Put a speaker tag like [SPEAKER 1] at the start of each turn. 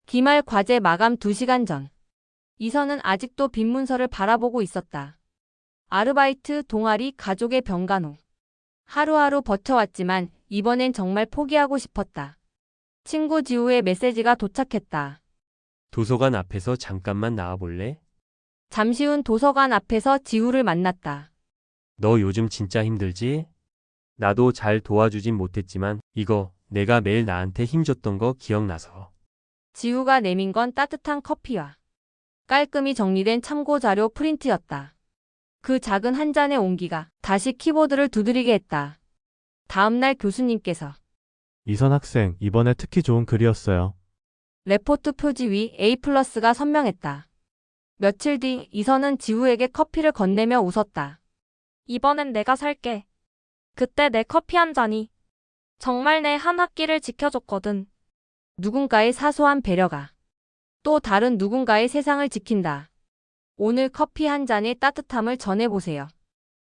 [SPEAKER 1] 기말 과제 마감 2시간 전. 이선은 아직도 빈 문서를 바라보고 있었다. 아르바이트, 동아리, 가족의 병간호. 하루하루 버텨왔지만 이번엔 정말 포기하고 싶었다. 친구 지우의 메시지가 도착했다.
[SPEAKER 2] 도서관 앞에서 잠깐만 나와볼래?
[SPEAKER 1] 잠시 후 도서관 앞에서 지우를 만났다.
[SPEAKER 2] 너 요즘 진짜 힘들지? 나도 잘 도와주진 못했지만 이거 내가 매일 나한테 힘줬던 거 기억나서.
[SPEAKER 1] 지우가 내민 건 따뜻한 커피와 깔끔히 정리된 참고 자료 프린트였다. 그 작은 한 잔의 온기가 다시 키보드를 두드리게 했다. 다음날 교수님께서
[SPEAKER 3] 이선 학생, 이번에 특히 좋은 글이었어요.
[SPEAKER 1] 레포트 표지 위 A+가 선명했다. 며칠 뒤 이선은 지우에게 커피를 건네며 웃었다.
[SPEAKER 4] 이번엔 내가 살게. 그때 내 커피 한 잔이 정말 내 한 학기를 지켜줬거든.
[SPEAKER 1] 누군가의 사소한 배려가 또 다른 누군가의 세상을 지킨다. 오늘 커피 한 잔의 따뜻함을 전해보세요.